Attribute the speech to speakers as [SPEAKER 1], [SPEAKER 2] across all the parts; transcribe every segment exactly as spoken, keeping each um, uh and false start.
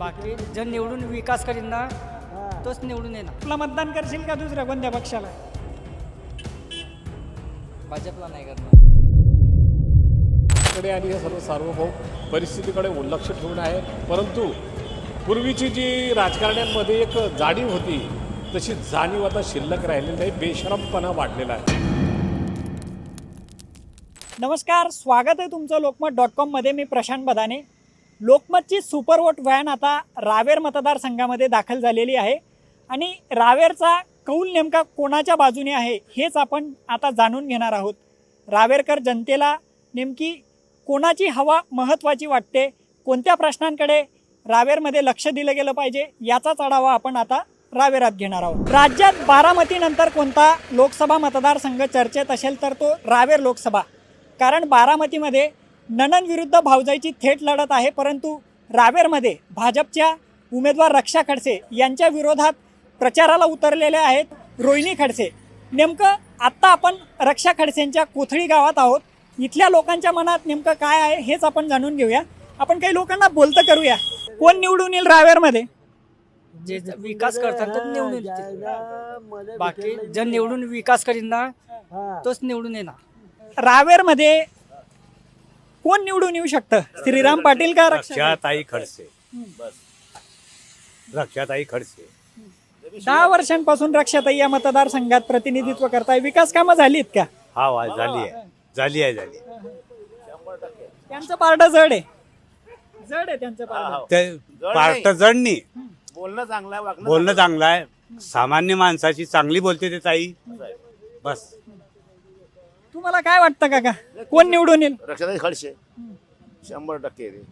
[SPEAKER 1] बाकी जर निवडून विकास करीन ना तोच निवडून येणार.
[SPEAKER 2] आपला मतदान करशील का दुसऱ्या कोणत्या पक्षाला?
[SPEAKER 1] भाजपला नाही करणार.
[SPEAKER 3] कडे आणि हे सर्व सार्वभौम परिस्थितीकडे दुर्लक्ष ठेवून आहे. परंतु पूर्वीची जी राजकारण्यांमध्ये एक जाणीव होती तशी जाणीव आता शिल्लक राहिलेली नाही. बेशरमपणा वाढलेला आहे.
[SPEAKER 2] नमस्कार, स्वागत आहे तुमचं लोकमत डॉट कॉममध्ये. मी प्रशांत बदाने. लोकमतची सुपरवोट व्हॅन आता रावेर मतदारसंघामध्ये दाखल झालेली आहे आणि रावेरचा कौल नेमका कोणाच्या बाजूने आहे हेच आपण आता जाणून घेणार आहोत. रावेरकर जनतेला नेमकी कोणाची हवा महत्त्वाची वाटते, कोणत्या प्रश्नांकडे रावेरमध्ये लक्ष दिलं गेलं पाहिजे याचाच आढावा आपण आता रावेरात घेणार आहोत. राज्यात बारामतीनंतर कोणता लोकसभा मतदारसंघ चर्चेत असेल तर तो रावेर लोकसभा. कारण बारामतीमध्ये नणंद विरुद्ध भावजाईची थेट लढत आहे, परंतु रावेरमध्ये भाजपच्या उमेदवार रक्षा खडसे यांच्या विरोधात प्रचाराला उतरलेले आहेत रोहिणी खडसे. नेमकं आत्ता आपण रक्षा खडसेंच्या कोथळी गावात आहोत. इथल्या लोकांच्या मनात नेमकं काय आहे हेच आपण जाणून घेऊया. आपण काही लोकांना बोलतं करूया. कोण निवडून येईल रावेरमध्ये?
[SPEAKER 1] जे ज- विकास करतात तर निवडून येतील. बाकी जर निवडून विकास करीन ना तोच निवडून येणार.
[SPEAKER 2] रावेरमध्ये कोण निवडून येऊ शकतं? श्रीराम पाटील का रक्षा?
[SPEAKER 4] रक्षाताई खडसे. बस रक्षाताई खडसे.
[SPEAKER 2] दहा वर्षांपासून रक्षाताई या मतदारसंघात प्रतिनिधित्व करताय. विकास कामं झालीत का?
[SPEAKER 4] हा वा झाली आहे झाली आहे झाली
[SPEAKER 2] त्यांचं पारडं जड आहे. जड आहे त्यांचं पारडं.
[SPEAKER 4] ते पार्ट जडणी
[SPEAKER 5] बोलणं चांगलं आहे, वागणं
[SPEAKER 4] बोलणं चांगलं आहे. सामान्य माणसाची चांगली बोलते ते ताई. बस
[SPEAKER 2] तुम्हाला काय वाटतं काका, कोण निवडून येईल?
[SPEAKER 5] रक्षाताई खडसे शंभर टक्के येते.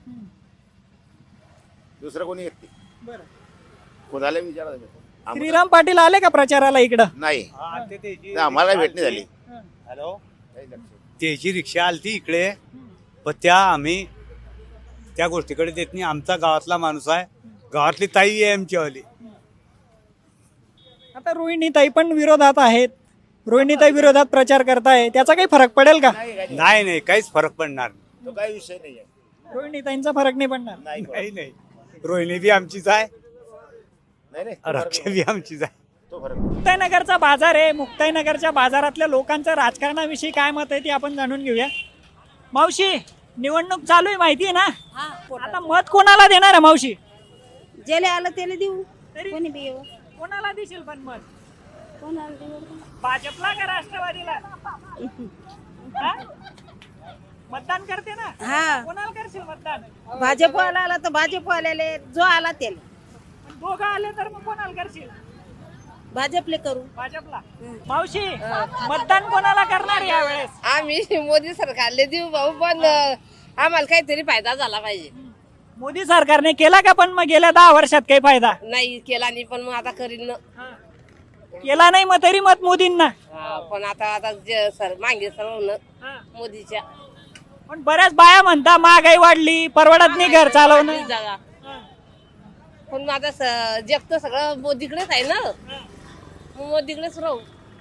[SPEAKER 5] दुसरं कोणी येत नाही. कोणाला विचारा तुम्ही. आम्हाला-
[SPEAKER 2] श्रीराम पाटील आले का प्रचाराला इकडं?
[SPEAKER 5] नाही नाही, आम्हाला भेटणी झाली.
[SPEAKER 4] हॅलो त्याची रिक्षा आलती इकडे, पण त्या आम्ही त्या गोष्टीकडे देत नाही. आमचा गावातला माणूस आहे, गावातली ताई आहे आमच्यावाली.
[SPEAKER 2] आता रोहिणीताई पण विरोधात आहेत. रोहिणीताई विरोधात प्रचार करताय, त्याचा काही फरक पडेल का?
[SPEAKER 4] नाही नाही काहीच फरक पडणार
[SPEAKER 5] तो काही विषय नाही आहे.
[SPEAKER 2] रोहिणीताईंचा फरक नाही पडणार.
[SPEAKER 5] नाही
[SPEAKER 4] नाही नाही रोहिणी बी आमचीच आहे,
[SPEAKER 5] नाही नाही, तो फरक
[SPEAKER 4] रक्षा
[SPEAKER 5] नाही.
[SPEAKER 4] बी आमचीच आहे.
[SPEAKER 5] तो फरक
[SPEAKER 2] मुक्ताईनगरचा बाजार आहे. मुक्ताईनगरच्या बाजारातल्या लोकांचं राजकारणाविषयी काय मत आहे ते आपण जाणून घेऊया. मावशी, निवडणूक चालू आहे माहिती आहे ना? आता मत कोणाला देणार आहे मावशी?
[SPEAKER 6] ज्याला आलं त्याला देऊ.
[SPEAKER 2] तरी
[SPEAKER 6] कोणी बी येऊ.
[SPEAKER 2] कोणाला देशील पण मत?
[SPEAKER 6] कोणाला देऊ?
[SPEAKER 2] भाजपला का राष्ट्रवादीला? हा? मतदान करते ना?
[SPEAKER 6] हा,
[SPEAKER 2] कोणाला करशील मतदान?
[SPEAKER 6] भाजपवाला आला तर भाजपवाल्याले, जो आला त्याला
[SPEAKER 2] पण दोघं आले तर मग कोणाला करशील?
[SPEAKER 6] भाजपले करू.
[SPEAKER 2] भाजपला. मावशी, मतदान कोणाला करणार यावेळेस?
[SPEAKER 7] आम्ही मोदी सरकारले देऊ भाऊ, पण आम्हाला काहीतरी फायदा झाला पाहिजे.
[SPEAKER 2] मोदी सरकारने केला का पण मग गेल्या दहा वर्षात काही फायदा?
[SPEAKER 7] नाही केला नाही, पण मग आता करीन ना.
[SPEAKER 2] केला नाही मग तरी मत मोदींना.
[SPEAKER 7] हा, पण आता आता जे सर मागे सर्व मोदीच्या
[SPEAKER 2] पण बऱ्याच बाया म्हणता महागाई वाढली, परवडत नाही घर चालवणं.
[SPEAKER 7] जागा. पण मग आता स- जग तर सगळं मोदीकडेच आहे ना, मग मोदीकडेच राहू.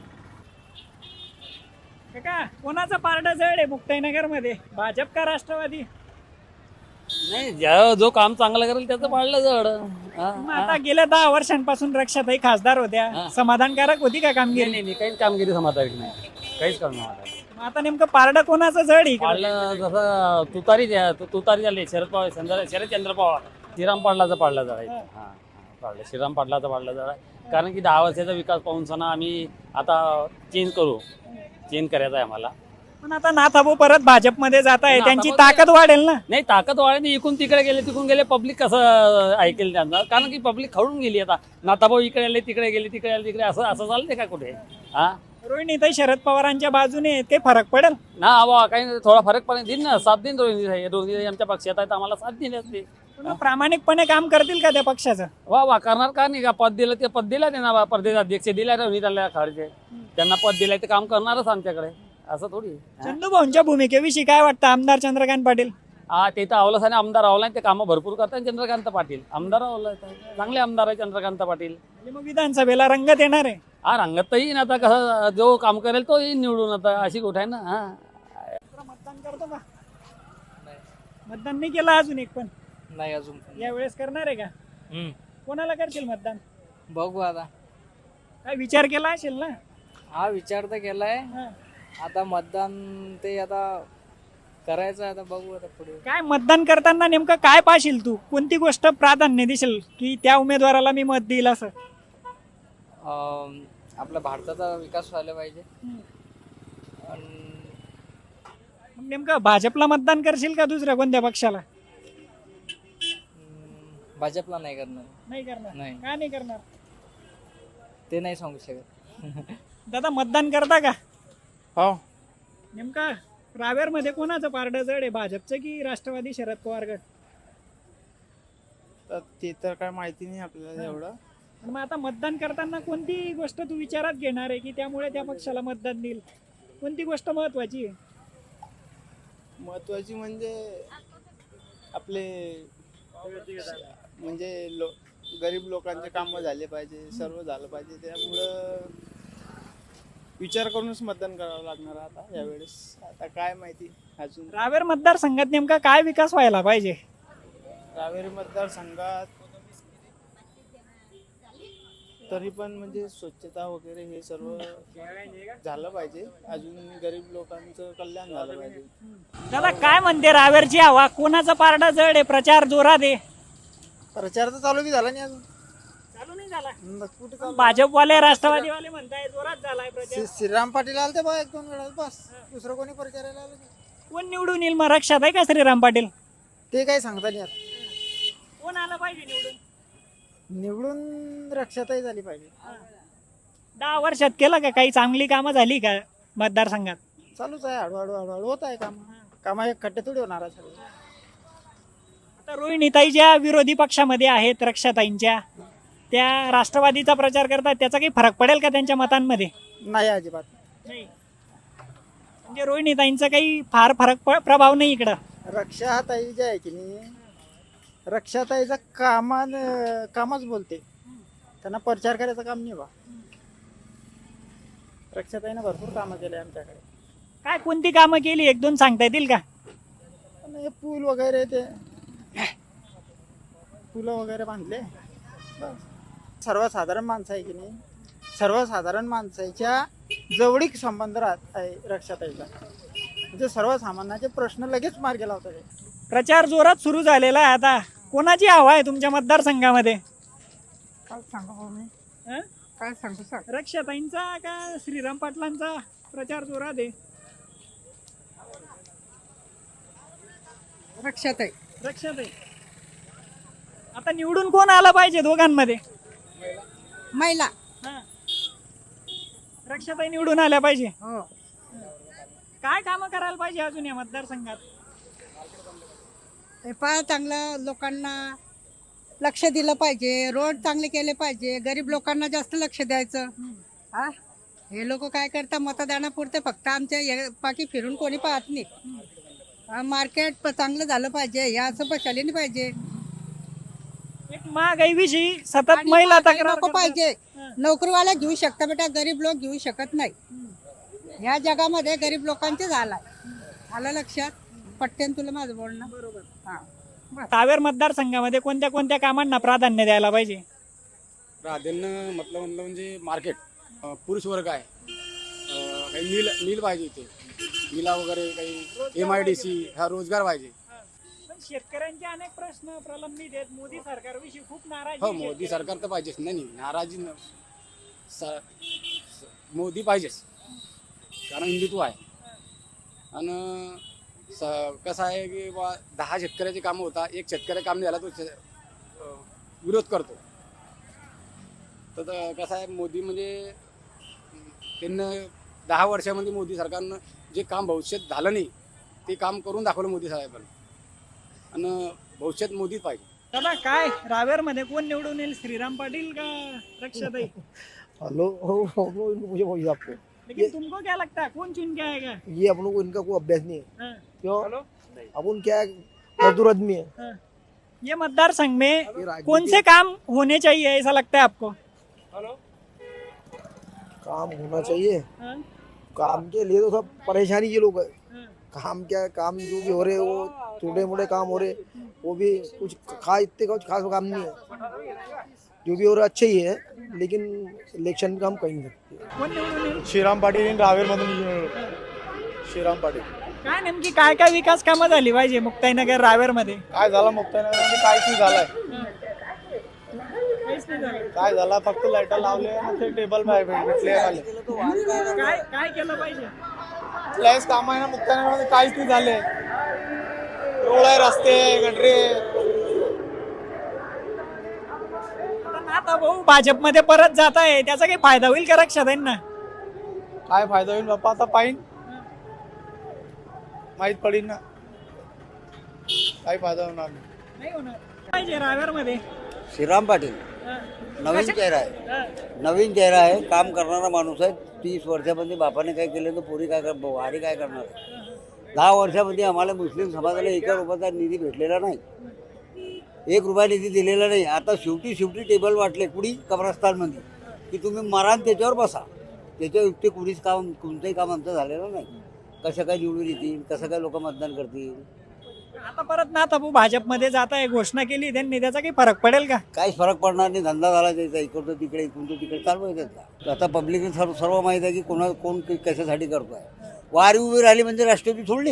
[SPEAKER 2] काका, कोणाचं पारडं जड आहे मुक्ताईनगर मध्ये, भाजप का राष्ट्रवादी?
[SPEAKER 8] नाही, ज्या जो काम चांगलं करेल त्याचं पाळलं जड. हा,
[SPEAKER 2] मग आता गेल्या दहा वर्षांपासून रक्षाताई खासदार होत्या, समाधानकारक होती का कामगिरी?
[SPEAKER 8] नाही नाही काहीच कामगिरी समाधानी नाही, काहीच काम नाही.
[SPEAKER 2] मग आता नेमकं पारडं कोणाचं जड आहे इकडं?
[SPEAKER 8] पाळलं जसं तुतारी द्या तु- तुतारी झाली. शरद पवार चंद्र शरदचंद्र पवार श्रीराम पाटलाचा पाडला जड आहे. हा हा, पाडलं श्रीराम पाटलाचा पाडला जड आहे. कारण की दहा वर्षाचा विकास पाहून सणा आम्ही आता चेंज करू चेंज करायचा आहे आम्हाला.
[SPEAKER 2] पण आता नाथाभाऊ परत भाजपमध्ये जात आहे, त्यांची
[SPEAKER 8] नाथाभाऊ
[SPEAKER 2] ताकद वाढेल ना?
[SPEAKER 8] नाही, ताकद वाढली. इकडून तिकडे गेले तिकडून गेले, पब्लिक कसं ऐकेल त्यांना? कारण की पब्लिक खडून गेली. आता नाथाभाऊ इकडे आले तिकडे गेले तिकडे आले तिकडे, असं असं चालते का कुठे? हा
[SPEAKER 2] रोहिणीताई शरद पवारांच्या बाजूने, ते फरक पडेल
[SPEAKER 8] ना हवा काही थोडा फरक पण दिन ना, साथ दिन रोहिणी रोहिणी आमच्या पक्षात आहेत, आम्हाला साथ दिली असते.
[SPEAKER 2] पण प्रामाणिकपणे काम करतील का त्या पक्षाचं?
[SPEAKER 8] वा वा करणार का नाही का? पद दिलं ते पद दिलं त्यांना, प्रदेश अध्यक्ष दिला रोहिणी त्यांना खडसे, त्यांना पद दिलंय ते काम करणारच आमच्याकडे, असं थोडी.
[SPEAKER 2] चंदूभाऊंच्या भूमिकेविषयी काय वाटतं आमदार चंद्रकांत पाटील?
[SPEAKER 8] हा, ते तर आवलंच आणि आमदार आवला, ते कामं भरपूर करतात चंद्रकांत पाटील. आमदार आवला, चांगले आमदार आहे चंद्रकांत पाटील.
[SPEAKER 2] आणि मग विधानसभेला रंगत येणार आहे.
[SPEAKER 8] हा, रंगत तर येईन. आता कसं जो काम करेल तो येईन निवडून, आता अशी गोष्ट आहे ना. हा,
[SPEAKER 2] मतदान करतो का? मतदान नाही केलं अजून एक पण?
[SPEAKER 1] नाही अजून
[SPEAKER 2] यावेळेस करणार आहे का?
[SPEAKER 1] हम्म.
[SPEAKER 2] कोणाला करतील मतदान?
[SPEAKER 1] बघू आता.
[SPEAKER 2] काय विचार केला असेल ना?
[SPEAKER 1] हा विचार तर केलाय.
[SPEAKER 2] हा.
[SPEAKER 1] आता मतदान ते आता करायचं आता बघू आता पुढे.
[SPEAKER 2] काय मतदान करताना नेमकं काय पाहशील तू? कोणती गोष्ट प्राधान्य देशील की त्या उमेदवाराला मी मत देईल असं?
[SPEAKER 1] अं, आपल्या भारताचा विकास व्हायला पाहिजे. अन
[SPEAKER 2] मग नेमकं भाजपला मतदान करशील का दुसऱ्या कोणत्या पक्षाला?
[SPEAKER 1] हम्म, भाजपला नाही करणार.
[SPEAKER 2] नाही करणार.
[SPEAKER 1] नाही.
[SPEAKER 2] का नाही करणार?
[SPEAKER 1] ते नाही सांगू शकत.
[SPEAKER 2] दादा मतदान करता का?
[SPEAKER 1] हो.
[SPEAKER 2] नेमका रावेर मध्ये कोणाचं पारडं जड आहे, भाजपचं की राष्ट्रवादी शरद पवार गट?
[SPEAKER 9] तर ते तर काय माहिती नाही आपल्याला एवढं.
[SPEAKER 2] पण मग आता मतदान करताना कोणती गोष्ट तू विचारात घेणार आहे की त्यामुळे त्या पक्षाला मतदान देईल? कोणती गोष्ट महत्वाची आहे?
[SPEAKER 9] महत्वाची म्हणजे आपले म्हणजे लो गरीब लोकांचे कामं झाले पाहिजे, सर्व झालं पाहिजे. त्यामुळं विचार करूनच मतदान करावं लागणार आता यावेळेस. आता काय माहिती अजून.
[SPEAKER 2] रावेर मतदारसंघात नेमका काय विकास व्हायला पाहिजे?
[SPEAKER 9] रावेरी मतदारसंघात तरी पण म्हणजे स्वच्छता वगैरे हे सर्व झालं पाहिजे. अजून गरीब लोकांचं कल्याण झालं पाहिजे.
[SPEAKER 2] दादा काय म्हणते रावेरची हवा? कोणाचं पारडं जड आहे? प्रचार जोरात आहे?
[SPEAKER 9] प्रचार तर चालू बी झाला नाही अजून.
[SPEAKER 2] चालू नाही झाला.
[SPEAKER 9] मग कुठे चालू?
[SPEAKER 2] भाजपवाले राष्ट्रवादीवाले म्हणताय जोरात झालाय प्रचार.
[SPEAKER 9] श्री- श्रीराम पाटील आले ते बा एक दोन वेळा बस. दुसरं कोणी प्रचारायला आलं नाही.
[SPEAKER 2] कोण निवडून येईल मग? रक्षात आहे का श्रीराम पाटील?
[SPEAKER 9] ते काही सांगता नाही.
[SPEAKER 2] कोण आलं पाहिजे निवडून?
[SPEAKER 9] निवडून रक्षाताही झाली पाहिजे.
[SPEAKER 2] दहा वर्षात केलं का काही चांगली कामं झाली का मतदारसंघात?
[SPEAKER 9] चालूच आहे हळूहळू हळूहळू होत आहे काम. कामा एक खड्डे थोडी होणार आहे सगळं.
[SPEAKER 2] आता रोहिणीताई ज्या विरोधी पक्षामध्ये आहेत रक्षाताईंच्या, त्या राष्ट्रवादीचा प्रचार करतात, त्याचा काही फरक पडेल का त्यांच्या मतांमध्ये?
[SPEAKER 9] नाही अजिबात.
[SPEAKER 2] नाही. म्हणजे रोहिणीताईंचा काही फार फरक प- प्रभाव नाही इकडं.
[SPEAKER 9] रक्षाताई जे आहे की नाही, रक्षाताईचा कामान कामच बोलते. त्यांना प्रचार करायचं काम नाही बा. रक्षाताईनं भरपूर कामं केले आमच्याकडे.
[SPEAKER 2] काय कोणती कामं केली एक दोन सांगता येतील का?
[SPEAKER 9] आणि हे पूल वगैरे ते पुलं वगैरे बांधले. बस. सर्वसाधारण माणसं आहे की नाही, सर्वसाधारण माणसाच्या जवळीक संबंध राहत आहे रक्षाताईचा. म्हणजे सर्वसामान्याचे प्रश्न लगेच मार्गी लावतात ते.
[SPEAKER 2] प्रचार जोरात सुरू झालेला आहे. आता कोणाची हवा आहे तुमच्या मतदारसंघामध्ये?
[SPEAKER 9] काय सांगू मी?
[SPEAKER 2] हं?
[SPEAKER 9] काय सांगू सांग.
[SPEAKER 2] रक्षाताईंचा का श्रीराम पाटलांचा प्रचार जोरात आहे?
[SPEAKER 9] रक्षाताई.
[SPEAKER 2] रक्षाताई. आता निवडून कोण आलं पाहिजे दोघांमध्ये?
[SPEAKER 6] महिला.
[SPEAKER 2] हं. रक्षाताई निवडून आल्या पाहिजे.
[SPEAKER 6] हो.
[SPEAKER 2] काय कामं करायला पाहिजे अजून या मतदारसंघात?
[SPEAKER 6] हे फार चांगलं लोकांना लक्ष दिलं पाहिजे. रोड चांगले केले पाहिजे. गरीब लोकांना जास्त लक्ष द्यायचं. हा हे लोक काय करतात मतदानापुरते फक्त आमच्या या- पाठी फिरून कोणी पाहत नाही. हा, मार्केट प- चांगलं झालं पाहिजे. या असं बसायला नाही पाहिजे.
[SPEAKER 2] एक महागाईविषयी सतत
[SPEAKER 6] आणि
[SPEAKER 2] महिला
[SPEAKER 6] महागाई
[SPEAKER 2] तक्रार
[SPEAKER 6] नको
[SPEAKER 2] करतात.
[SPEAKER 6] पाहिजे.
[SPEAKER 2] हं.
[SPEAKER 6] नोकरीवाला घेऊ शकता बेटा, गरीब लोक घेऊ शकत नाही. ह्या जगामध्ये गरीब लोकांचे झालाय. आलं लक्षात? पटतेन तुला माझं बोलणं?
[SPEAKER 2] बरोबर.
[SPEAKER 6] हा.
[SPEAKER 2] रावेर मतदारसंघामध्ये कोणत्या कोणत्या कामांना प्राधान्य द्यायला पाहिजे?
[SPEAKER 10] प्राधान्य म्हटलं म्हणलं म्हणजे मार्केट, अं, पुरुष वर्ग आहे, अं, काही मिल मिल पाहिजे इथे, मिला वगैरे काही, एम आय डी सी, हा रोजगार पाहिजे.
[SPEAKER 2] पण शेतकऱ्यांचे अनेक प्रश्न प्रलंबित आहेत. मोदी सरकारविषयी खूप नाराजी
[SPEAKER 10] हो,
[SPEAKER 2] आहे
[SPEAKER 10] मोदी
[SPEAKER 2] शेतकऱ्यांची.
[SPEAKER 10] सरकार तर पाहिजेच. नाही नाही, नाराजी न- स- स- मोदी पाहिजेच, कारण हिंदुत्व आहे. आणि स कसं आहे की बा दहा शेतकऱ्याचे कामं होता, एक शेतकऱ्या काम नाही झाला तो शे- अं, विरोध करतो. तर त- कसं आहे, मोदी म्हणजे त्यांना दहा वर्षामध्ये मोदी सरकारनं जे काम भविष्यात झालं नाही ते काम करून दाखवलं मोदी साहेबांनी. आणि भविष्यात मोदीच पाहिजे.
[SPEAKER 2] दादा काय रावेर मध्ये कोण निवडून येईल? श्रीराम पाटील का रक्षाताई?
[SPEAKER 11] हेलो हो हो मुझे वही आपको
[SPEAKER 2] लेकिन तुमको क्या लगता है कौन चुन के आएगा?
[SPEAKER 11] ये अपन को इनका कोई अभ्यास नहीं है.
[SPEAKER 2] हाँ,
[SPEAKER 11] क्यों? अपन क्या है, मजदूर आदमी है.
[SPEAKER 2] हाँ. ये मतदारसंघ में
[SPEAKER 11] ये राजनीति-
[SPEAKER 2] कौन से काम होने चाहिए ऐसा लगता है आपको?
[SPEAKER 11] काम होना चाहिए.
[SPEAKER 2] हाँ,
[SPEAKER 11] काम के लिए तो सब परेशानी ये लोग है.
[SPEAKER 2] हाँ.
[SPEAKER 11] काम क्या है, काम जो भी हो रहे वो छोटे मोटे काम हो रहे वो भी कुछ खास इतने कुछ खास काम नहीं है, जो भी हो रहा अच्छे ही है, लेकिन इलेक्शन का हम कहीं नहीं सकते।
[SPEAKER 2] कोण निवडून येईल?
[SPEAKER 12] श्रीराम पाटील रावेरमधून श्रीराम पाटील.
[SPEAKER 2] काय नेमकी काय काय विकास कामं झाली पाहिजे मुक्ताईनगर रावेर मध्ये?
[SPEAKER 12] काय झाला मुक्ताईनगर काहीच नाही झालंय.
[SPEAKER 2] काहीच नाही झालं.
[SPEAKER 12] काय झाला फक्त लाईट लावले आणि ते टेबल भेटले आले.
[SPEAKER 2] काय काय केलं पाहिजे?
[SPEAKER 12] लयच काम आहे ना मुक्ताईनगर मध्ये काहीच नाही झाले. रोड आहे, रस्ते, गटरे.
[SPEAKER 2] आता भाऊ भाजपमध्ये परत जात आहे, त्याचा काही फायदा होईल का रक्षाताईंना?
[SPEAKER 12] काय फायदा होईल बाप्पा आता पाहिन माहित पडीन ना. काही फायदा होणार नाही.
[SPEAKER 2] नाही होणार. पाहिजे रावेर मध्ये
[SPEAKER 13] श्रीराम पाटील नवीन चेहरा आहे, नवीन चेहरा आहे, काम करणारा माणूस आहे. तीस वर्षामध्ये बापाने काय केलं तर पोरी काय कर वारी काय करणार आहे. दहा वर्षामध्ये आम्हाला मुस्लिम समाजाला एका रुपयाचा निधी भेटलेला नाही, एक रुपया निधी दिलेला नाही. आता शेवटी शेवटी टेबल वाटले कुणी कब्रस्तानमध्ये की तुम्ही मारान त्याच्यावर बसा. त्याच्या युक्ती कुणीच काम कोणतंही काम आमचं झालेलं नाही. कसं काय निवडून येतील, कसं काय लोक मतदान करतील.
[SPEAKER 2] आता परत ना भाऊ भाजपमध्ये जात आहे, घोषणा केली त्यांनी, त्याचा काही फरक पडेल का?
[SPEAKER 13] काहीच फरक पडणार नाही. धंदा झाला त्याचा, इकडचं तिकडे इकडून तिकडे चालू आहे त्याचा. आता पब्लिकने सर्व सर्व माहीत आहे की कोणा कोण कशासाठी करतो आहे. वारी उभी राहिली म्हणजे राष्ट्रवादी सोडली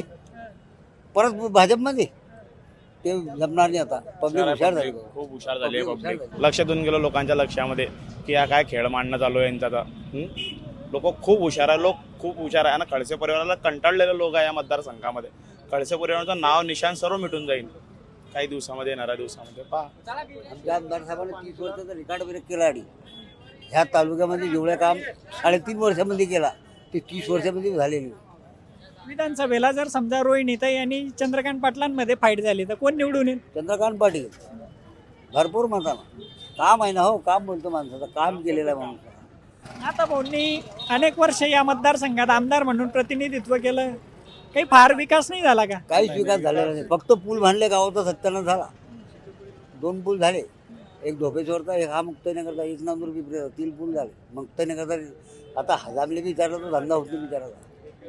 [SPEAKER 13] परत भाजपमध्ये, ते जमणार नाही. आता पब्लिक हुशार झाली,
[SPEAKER 12] खूप हुशार झाली आहे पब्लिक. लक्ष देऊन गेलो लोकांच्या लक्षामध्ये की हा काय खेळ मांडणं चालू आहे यांचा. लोक खूप हुशार आहे, लोक खूप हुशार आहे. आणि खडसे परिवाराला कंटाळलेले लोक आहे या मतदारसंघामध्ये. खडसे परिवाराचं नाव निशाण सर्व मिटून जाईल काही दिवसामध्ये, येणाऱ्या दिवसामध्ये. पहा
[SPEAKER 13] आमच्या आमदार साहेबांनी तीस वर्षाचा रिकॉर्ड ब्रेक केला आणि ह्या तालुक्यामध्ये जेवढं काम साडेतीन वर्षामध्ये केला ते तीस वर्षामध्ये झालेली.
[SPEAKER 2] विधानसभेला जर समजा रोहिणीताई आणि चंद्रकांत पाटलांमध्ये फाईट झाली तर कोण निवडून येईल?
[SPEAKER 13] चंद्रकांत पाटील भरपूर मताना. काम आहे ना, हो काम बोलतो माणसाचं, काम केलेलं आहे माणसानं.
[SPEAKER 2] आता भाऊंनी अनेक वर्ष या मतदारसंघात आमदार म्हणून प्रतिनिधित्व केलं, काही फार विकास नाही झाला का?
[SPEAKER 13] काहीच विकास झालेला नाही. फक्त पूल बांधले गावाचा सत्त्याण्णव झाला, दोन पूल झाले. एक धोपेश्वरचा, एक हा मुक्ताईनगरचा, एक नांदूर पिंपरीचा, तीन पूल झाले. मुक्ताईनगरचा आता हजामले विचारला तर धंदा होतो विचारायचा.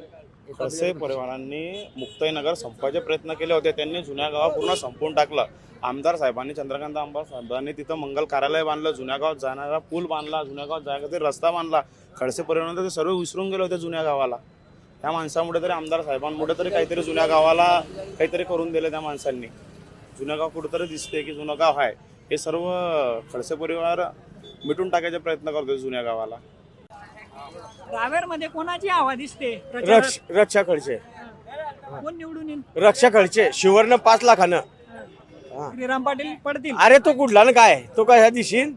[SPEAKER 12] खडसे परिवारांनी मुक्ताईनगर संपवायचे प्रयत्न केले होते. त्यांनी जुन्या गावात पूर्ण संपवून टाकलं. आमदार साहेबांनी, चंद्रकांत आमदार साहेबांनी तिथं मंगल कार्यालय बांधलं, जुन्या गावात जाणारा पूल बांधला, जुन्या गावात जायचा रस्ता बांधला. खडसे परिवाराने ते सर्व विसरून गेले होते जुन्या गावाला. त्या माणसामुळे तरी, आमदार साहेबांमुळे तरी काहीतरी जुन्या गावाला काहीतरी करून दिलं त्या माणसांनी. जुन्या गाव कुठंतरी दिसते की जुनं गाव आहे. हे सर्व खडसे परिवार मिटून टाकायचे प्रयत्न करतो जुन्या गावाला.
[SPEAKER 2] रावेर मध्ये कोणाची हवा दिसते?
[SPEAKER 12] रक्ष रक्षा खडसे,
[SPEAKER 2] कोण निवडून येईल?
[SPEAKER 12] रक्षा खडसे, शिवर्ण पाच लाखानं.
[SPEAKER 2] श्रीराम पाटील पडतील.
[SPEAKER 12] अरे तो कुठला ना काय, तो काय ह्या दिवशी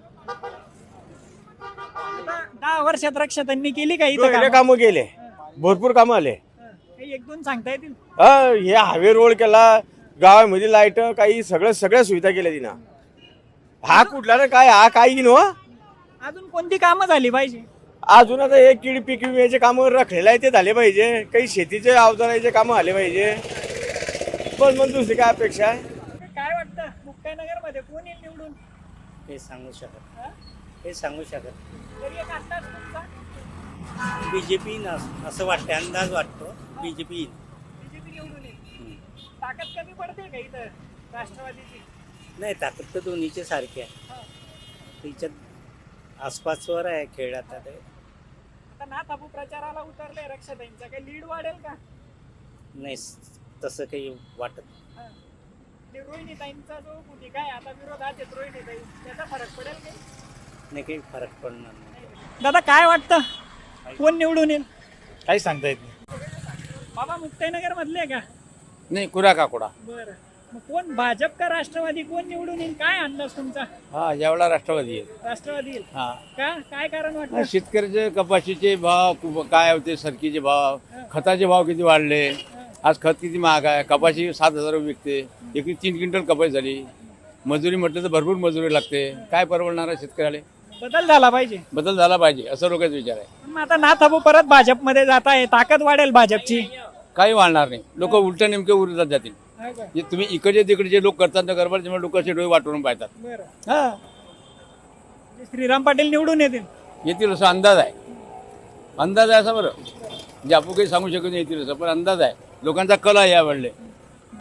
[SPEAKER 2] दहा वर्षात रक्षाताईंनी केली का इथं कामं?
[SPEAKER 12] कामं गेले, भरपूर कामं आले.
[SPEAKER 2] काही एक दोन सांगता येतील?
[SPEAKER 12] हे हायवे रोड केला, गावामध्ये लाईट, काही सगळं सगळ्या सुविधा केल्या तिनं. हा कुठला ना काय, हा काही नो.
[SPEAKER 2] अजून कोणती कामं झाली पाहिजे?
[SPEAKER 12] अजून आता हे कीड पीक विम्याचे कामं रखलेलं आहे ते झाले पाहिजे. काही शेतीचे अवजाराचे कामं आले पाहिजे. पण मग दुसरी काय अपेक्षा आहे?
[SPEAKER 2] काय वाटतं मुक्ताईनगर मध्ये कोण येईल निवडून?
[SPEAKER 1] हे सांगू शकत हे सांगू शकत
[SPEAKER 2] तरी एक अंदाज तुमचा?
[SPEAKER 1] बीजेपी असं वाटतं, अंदाज वाटतो बीजेपी
[SPEAKER 2] बीजेपी निवडून येईल. ताकद कमी पडते का इथं राष्ट्रवादीची?
[SPEAKER 1] नाही, ताकद तर दोन्हीचे सारखे आहे. तिच्यात आसपासवर आहे खेळ. आता ते
[SPEAKER 2] आता ना ताबू प्रचाराला उतरले रक्षाताईंचा, काही लीड वाढेल का?
[SPEAKER 1] नाही, तसं काही वाटत.
[SPEAKER 2] रोहिणीताईंचा जो भूमिका आहे आता विरोधात आहेत रोहिणीताई, त्याचा फरक पडेल काही?
[SPEAKER 1] नाही, काही फरक पडणार नाही.
[SPEAKER 2] दादा काय वाटतं कोण निवडून येईल?
[SPEAKER 12] काही सांगता येत नाही.
[SPEAKER 2] बाबा मुक्ताईनगर मधले का?
[SPEAKER 10] नाही, कुरा काकोडा.
[SPEAKER 2] बरं, मग कोण भाजप का राष्ट्रवादी, कोण निवडून येईल? काय अंदाज तुमचा?
[SPEAKER 10] हा, यावेळेला राष्ट्रवादी आहे.
[SPEAKER 2] राष्ट्रवादी येईल
[SPEAKER 10] हा.
[SPEAKER 2] का? काय कारण वाटतं?
[SPEAKER 10] शेतकऱ्याचे कपाशीचे भाव खूप काय होते, सरकीचे भाव, खताचे भाव किती वाढले. आज खत किती महाग आहे. कपाशी सात हजार रुपये विकते, एक तीन क्विंटल कपाशी झाली. मजुरी म्हटलं तर भरपूर मजुरी लागते. काय परवडणार आहे शेतकऱ्याला?
[SPEAKER 2] बदल झाला पाहिजे.
[SPEAKER 10] बदल झाला पाहिजे असं लोकांचा विचार आहे.
[SPEAKER 2] पण मग आता ना थांबू परत भाजपमध्ये जात आहे, ताकद वाढेल भाजपची.
[SPEAKER 10] काही वाढणार नाही. लोक उलट नेमके उरतात जातील. जे तुम्ही इकडचे तिकडचे लोक करतात ना गरबड, त्यामुळे लोक असे डोळे वाटून पाहतात.
[SPEAKER 2] बरं, हा, श्रीराम पाटील निवडून येतील.
[SPEAKER 10] येतील असा अंदाज आहे. अंदाज आहे असं बरं, म्हणजे आपण काही सांगू शकत नाही येतील असं, पण अंदाज आहे. लोकांचा कल आहे यावेळेला.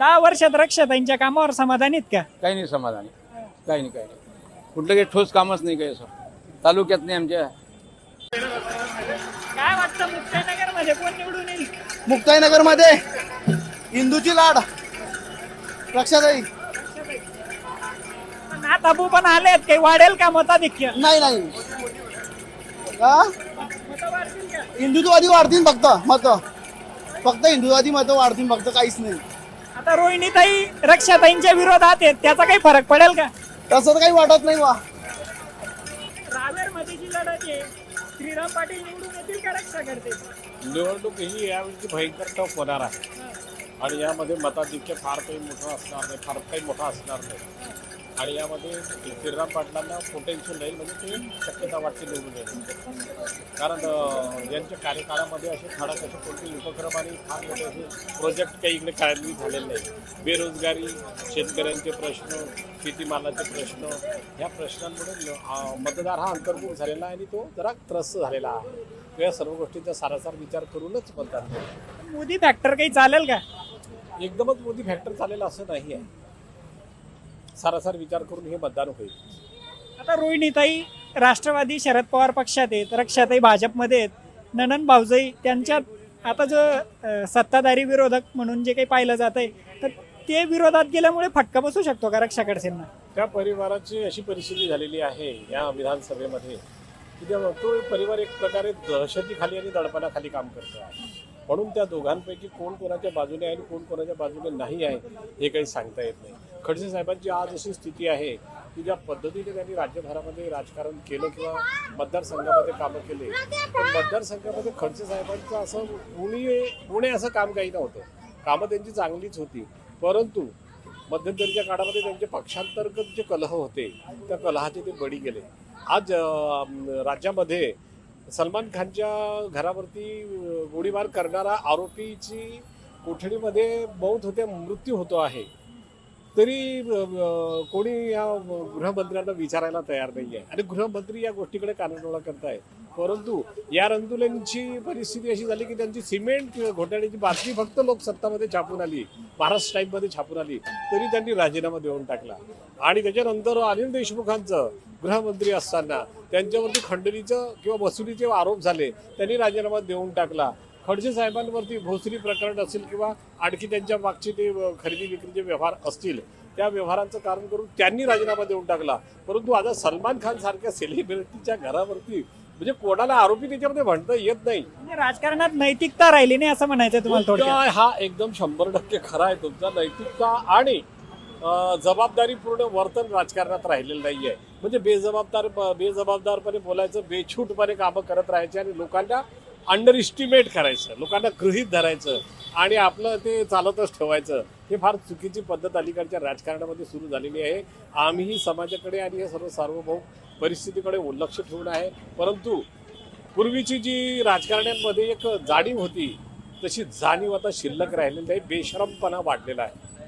[SPEAKER 2] दहा वर्षात रक्षाताईंच्या कामावर समाधानीत का?
[SPEAKER 14] काही नाही समाधानी, काही नाही काही नाही कुठलं काही ठोस कामच नाही काही असं तालुक्यात नाही आमच्या.
[SPEAKER 2] काय वाटतं मुक्ताईनगर मध्ये कोण निवडून येईल?
[SPEAKER 15] मुक्ताईनगर मध्ये हिंदूची लाड रक्षाताई.
[SPEAKER 2] नाथ अबू पण आलेत, काही वाढेल का मताधिक्य?
[SPEAKER 15] नाही नाही का हिंदुत्ववादी वाढतील फक्त मत, फक्त हिंदुत्ववादी मत वाढतील फक्त, काहीच नाही.
[SPEAKER 2] आता रोहिणीताई रक्षाताईंच्या विरोधात आहेत, त्याचा काही फरक पडेल का?
[SPEAKER 15] तसं तर काही वाटत नाही वा.
[SPEAKER 2] रावेर मध्ये जी लढत आहे, श्रीराम पाटील निवडून येतील का रक्षा करते?
[SPEAKER 3] निवडणूक ही यावेळी भयंकर टफ होणार आहे आणि यामध्ये मताधिक्य फार काही मोठं असणार नाही, फार काही मोठं असणार नाही. आणि यामध्ये श्रीराम पाटलांना पोटेन्शियल राहील, म्हणजे ते शक्यता वाटते निवडून येण्याची. कारण यांच्या कार्यकाळामध्ये असे ठळक असे कोणते उपक्रम आणि फार मोठे असे प्रोजेक्ट काही इकडे कार्यान्वित झालेले नाही. बेरोजगारी, शेतकऱ्यांचे प्रश्न, शेतीमालाचे प्रश्न, ह्या प्रश्नांमुळे मतदार हा अंतर्मुख झालेला आहे आणि तो जरा त्रस्त झालेला आहे. या सर्व गोष्टींचा सारासार विचार करूनच मतदार.
[SPEAKER 2] मोदी फॅक्टर काही चालेल का?
[SPEAKER 3] एकदमच मोदी फॅक्टर चालेल असं नाही आहे, सारासार विचार करून हे मतदान होईल.
[SPEAKER 2] आता रोहिणीताई राष्ट्रवादी शरद पवार पक्षात आहेत, रक्षाताई भाजपमध्ये आहेत, ननन भाऊजाई त्यांच्यात आता जो अ, सत्ताधारी विरोधक म्हणून जे काही पाहिलं जात आहे, तर ते विरोधात गेल्यामुळे फटका बसू शकतो का रक्षा खडसेंना?
[SPEAKER 3] त्या परिवाराची अशी परिस्थिती झालेली आहे या विधानसभेमध्ये की त्या तो परिवार एक प्रकारे दहशतीखाली आणि दडपणाखाली काम करतो आहे. म्हणून त्या दोघांपैकी कोण कोणाच्या बाजूने आहे आणि कोण कोणाच्या बाजूने नाही आहे हे काही सांगता येत नाही. खडसे साहेबांची आज अशी स्थिती आहे की ज्या पद्धतीने त्यांनी राज्यभरामध्ये राजकारण केलं किंवा मतदारसंघामध्ये कामं केले, पण मतदारसंघामध्ये खडसे साहेबांचं असं कोणी कोणी असं काम काही नव्हतं. कामं त्यांची चांगलीच होती, परंतु मध्यंतरीच्या काळामध्ये त्यांचे पक्षांतर्गत जे कलह होते त्या कलहाचे ते बळी गेले. आज राज्यामध्ये सलमान खानच्या घरावरती गोळीबार करणारा आरोपीची कोठडीमध्ये मौत होते, मृत्यू होतो आहे, तरी कोणी या गृहमंत्र्यांना विचारायला तयार नाही आहे आणि गृहमंत्री या गोष्टीकडे कानाडोळा करताय. परंतु या रंदुलेंची परिस्थिती अशी झाली की त्यांची सिमेंट घोटाळ्याची बातमी फक्त लोकसत्तामध्ये छापून आली, महाराष्ट्र टाईममध्ये छापून आली, तरी त्यांनी राजीनामा देऊन टाकला. आणि त्याच्यानंतर अनिल देशमुखांचं गृहमंत्री असताना त्यांच्यावरती खंडणीचं किंवा वसुलीचे आरोप झाले, त्यांनी राजीनामा देऊन टाकला. खडसे साहेबांवरती भोसरी प्रकरण असेल किंवा आणखी त्यांच्या मागचे ते खरेदी विक्रीचे व्यवहार असतील, त्या व्यवहारांचं कारण करून त्यांनी राजीनामा देऊन टाकला. परंतु आता सलमान खान सारख्या सेलिब्रिटीच्या घरावरती म्हणजे कोणाला आरोपी त्याच्यामध्ये म्हणता येत नाही.
[SPEAKER 2] राजकारणात नैतिकता राहिली नाही असं म्हणायचं तुम्हाला थोडक्यात?
[SPEAKER 3] हा एकदम शंभर टक्के खरा आहे तुमचा. नैतिकता आणि जबाबदारीपूर्ण वर्तन राजकारणात राहिलेलं नाही आहे. म्हणजे बेजबाबदार बेजबाबदारपणे बोलायचं, बेछूटपणे कामं करत राहायचे आणि लोकांना अंडर इस्टिमेट करायचं, लोकांना गृहीत धरायचं आणि आपलं ते चालतच ठेवायचं, हे फार चुकीची पद्धत अलीकडच्या राजकारणामध्ये सुरू झालेली आहे. आम्हीही समाजाकडे आणि हे सर्व सार्वभौम परिस्थितीकडे लक्ष ठेवून आहे. परंतु पूर्वीची जी राजकारण्यांमध्ये एक जाणीव होती तशी जाणीव आता शिल्लक राहिलेली नाही, बेशरमपणा वाढलेला आहे.